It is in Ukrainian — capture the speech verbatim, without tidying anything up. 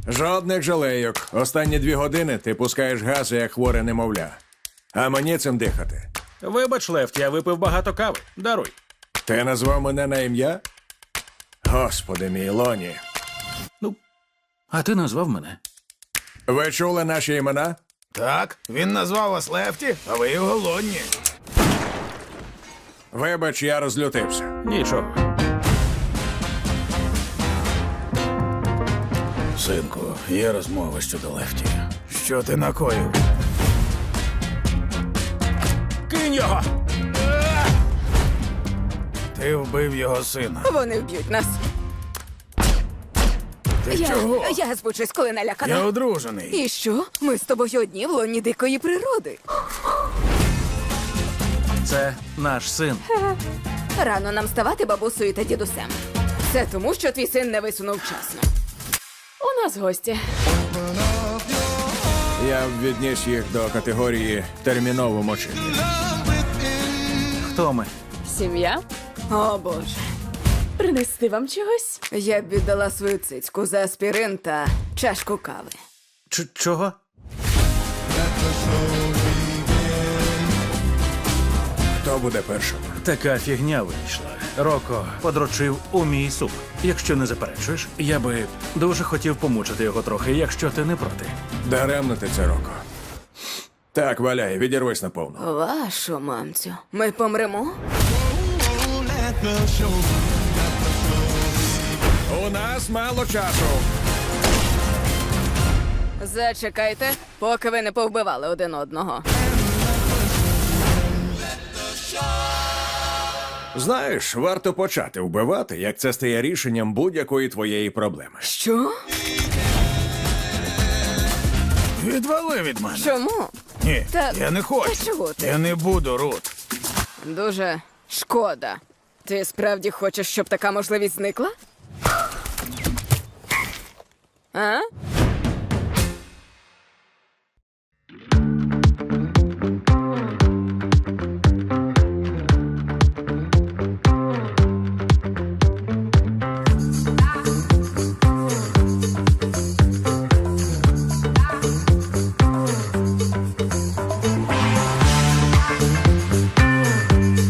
Жодних жалейок. Останні дві години ти пускаєш гази, як хворе немовля. А мені цим дихати. Вибач, Лефті, я випив багато кави. Даруй. Ти назвав мене на ім'я? Господи мій, Лоні. Ну, а ти назвав мене. Ви чули наші імена? Так, він назвав вас Лефті, а ви його Лонні. Вибач, я розлютився. Нічого. Синку, є розмова щодо Лефті. Що ти накоїв? Кинь його! Ти вбив його сина. Вони вб'ють нас. Ти Я, чого? я збучусь, коли налякана. Я одружений. І що? Ми з тобою одні в лоні дикої природи. Це наш син. Рано нам ставати бабусею та дідусем. Це тому, що твій син не висунув вчасно. У нас гості. Я б відніс їх до категорії терміново мочити. Хто ми? Сім'я? О, Боже. Принести вам чогось? Я б віддала свою цицьку за аспірин та чашку кави. Ч- чого? Хто буде першим? Така фігня вийшла. Роко подрочив у мій суп. Якщо не заперечуєш, я би дуже хотів помучити його трохи, якщо ти не проти. Даремно ти це, Роко. Так, валяй, відірвись наповну. Вашу мамцю. Ми помремо? У нас мало часу. Зачекайте, поки ви не повбивали один одного. Знаєш, варто почати вбивати, як це стає рішенням будь-якої твоєї проблеми. Що? Відвали від мене. Чому? Ні, Та- я не хочу. та чого ти? Я не буду, Рут. Дуже шкода. Ти справді хочеш, щоб така можливість зникла? А?